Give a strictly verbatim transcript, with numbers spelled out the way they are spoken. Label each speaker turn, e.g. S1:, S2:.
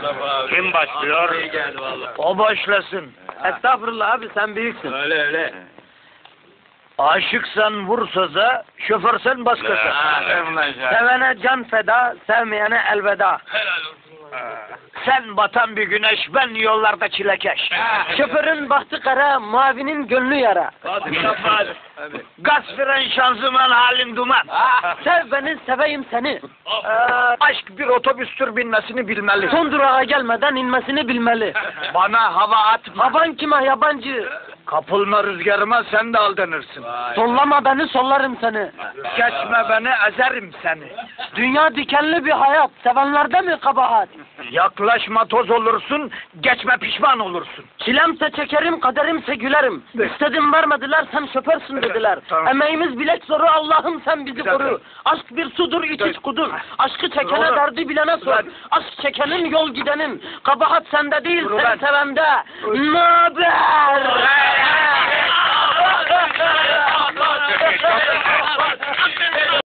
S1: Kim başlıyor?
S2: O başlasın.
S3: Estağfurullah abi, sen büyüksün.
S1: Öyle öyle.
S2: Aşıksan vur söze, şoförsen başkası.
S3: Sevene can feda, sevmeyene elveda.
S2: Sen batan bir güneş, ben yollarda çilekeş.
S3: Şoförün bahtı kara, mavinin gönlü yara.
S2: Gaz fren şanzıman halin duman.
S3: Sev beni, seveyim seni.
S2: Ee, aşk bir otobüstür binmesini bilmeli.
S3: Son durağa gelmeden inmesini bilmeli.
S2: Bana hava atma.
S3: Havan kime yabancı?
S2: Kapılma rüzgarıma, sen de aldanırsın.
S3: Sollama beni, sollarım seni.
S2: Geçme beni, ezerim seni.
S3: Dünya dikenli bir hayat, sevenlerde mi kabahat?
S2: Yaklaşma toz olursun, geçme pişman olursun.
S3: Çilemse çekerim, kaderimse gülerim. İstedim vermediler, sen şoförsün dediler.
S2: Tamam.
S3: Emeğimiz bilek zoru, Allah'ım sen bizi
S2: Güzel.
S3: koru. Aşk bir sudur, iç iç kudur. Aşkı çekene
S2: Doğru.
S3: derdi bilene sor.
S2: Güzel.
S3: Aşk çekenin yol gidenin. Kabahat sende değil,
S2: Dur
S3: sen
S2: ben.
S3: sevende. Naber?